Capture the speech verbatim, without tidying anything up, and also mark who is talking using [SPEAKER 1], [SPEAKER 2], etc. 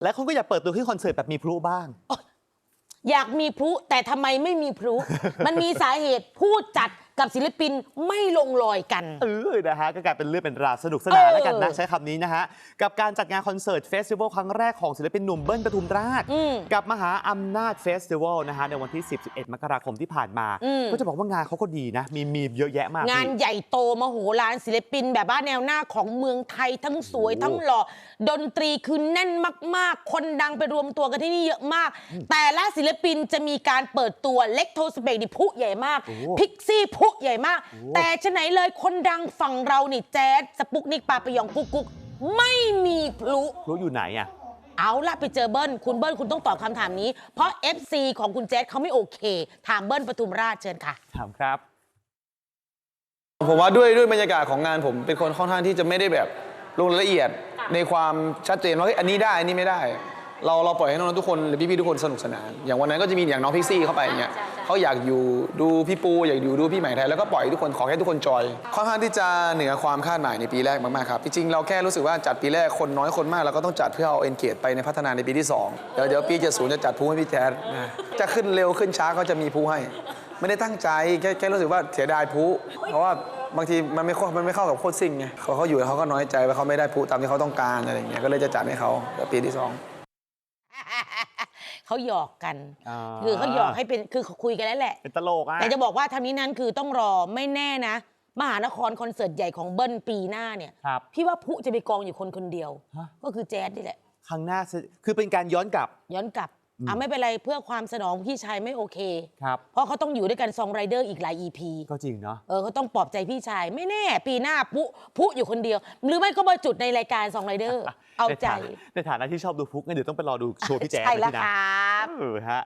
[SPEAKER 1] และคนก็อยากเปิดตัวขึ้นคอนเสิร์ตแบบมีพลุบ้าง
[SPEAKER 2] อยากมีพลุแต่ทำไมไม่มีพลุ มันมีสาเหตุผู้จัดกับศิลปินไม่ลงรอยกัน
[SPEAKER 1] เออนะฮะก็กลายเป็นเรื่องเป็นราวสนุกสนานแล้วกันนะใช้คำนี้นะฮะกับการจัดงานคอนเสิร์ตเฟสติวัลครั้งแรกของศิลปินหนุ่มเบิ้ลปทุมราชกับมหาอำนาจเฟสติวัลนะฮะในวันที่สิบ สิบเอ็ดมกราคมที่ผ่านมาก็จะบอกว่างานเขาก็ดีนะมีมีเยอะแยะมาก
[SPEAKER 2] งานใหญ่โตมโหฬารศิลปินแบบว่าแนวหน้าของเมืองไทยทั้งสวยทั้งหล่อดนตรีคือแน่นมากๆคนดังไปรวมตัวกันที่นี่เยอะมากแต่ละศิลปินจะมีการเปิดตัวเล็กโทสเปกดิพุใหญ่มากพิกซี่พุใหญ่มากแต่ฉะไหนเลยคนดังฝั่งเรานี่แจ๊ดสปุกนิกปาปยองกุ๊กกุ๊กไม่มีพลุ
[SPEAKER 1] พลุอยู่ไหนอะ
[SPEAKER 2] เอาล่ะไปเจอเบิ้ลคุณเบิ้ลคุณต้องตอบคำถามนี้เพราะ เอฟ ซี ของคุณแจ๊ดเขาไม่โอเคถามเบิ้ลปทุมราชเชิญค่ะ
[SPEAKER 1] ถามครับ
[SPEAKER 3] ผมว่าด้วยด้วยบรรยากาศของงานผมเป็นคนค่อนข้างที่จะไม่ได้แบบลงรายละเอียดในความชัดเจนว่าอันนี้ได้อันนี้ไม่ได้เราเราปล่อยให้น้องๆทุกคนหรือพี่ๆทุกคนสนุกสนานอย่างวันนั้นก็จะมีอย่างน้องพิกซี่เข้าไปอย่างเงี้ยเขาอยากอยู่ดูพี่ปูอยากอยู่ดูพี่ใหม่ไทยแล้วก็ปล่อยทุกคนขอแค่ทุกคนจอยค่อนข้างที่จะเหนือความคาดหมายในปีแรกมากๆครับจริงๆเราแค่รู้สึกว่าจัดปีแรกคนน้อยคนมากเราก็ต้องจัดเพื่อเอาเอนเกจไปในพัฒนาในปีที่สองเดี๋ยวเดี๋ยวปีเจ็ดสิบจะจัดพูให้พี่แจ๊ดจะขึ้นเร็วขึ้นช้าก็จะมีพูให้ไม่ได้ตั้งใจแค่แค่รู้สึกว่าเสียดายพูเพราะว่าบางทีมันไม่มันไม่เข้ากับโคตรซิ่งไงเขาเขาอยู่เขาก็น้อยใจว่าเขาไม่ได้พูตามที่เขาต้องการอะไรอย่างเงี้ยก็เลยจะจัดให้เขาปีที่สอง
[SPEAKER 2] เขาหยอกกันคือเขาหยอกให้เป็นคือคุยกันแล้วแหละ
[SPEAKER 1] เป็นตลกอะ
[SPEAKER 2] แต่จะบอกว่าทำนี้นั้นคือต้องรอไม่แน่นะมหานครคอนเสิร์ตใหญ่ของเบิ้ลปีหน้าเนี่ยพี่ว่าพุจะไปกองอยู่คนคนเดียวก็คือแจ๊ดนี่แหละ
[SPEAKER 1] ครั้งหน้าคือเป็นการย้อนกลับ
[SPEAKER 2] ย้อนกลับอ่ะไม่เป็นไรเพื่อความสนองพี่ชายไม่โอเค
[SPEAKER 1] ครับ
[SPEAKER 2] เพราะเขาต้องอยู่ด้วยกันซองไรเดอร์อีกหลาย อี พี
[SPEAKER 1] ก็จริงเนาะ
[SPEAKER 2] เออเขาต้องปลอบใจพี่ชายไม่แน่ปีหน้าพุพุอยู่คนเดียวหรือไม่ก็มาจุดในรายการซองไรเดอร์เอาใจ
[SPEAKER 1] ในฐานะที่ชอบดูพุกงั้นเดี๋ยวต้องไปรอดูโชว์พี่แจ๊ด
[SPEAKER 2] ใช่แล้วครับ
[SPEAKER 1] เออฮะ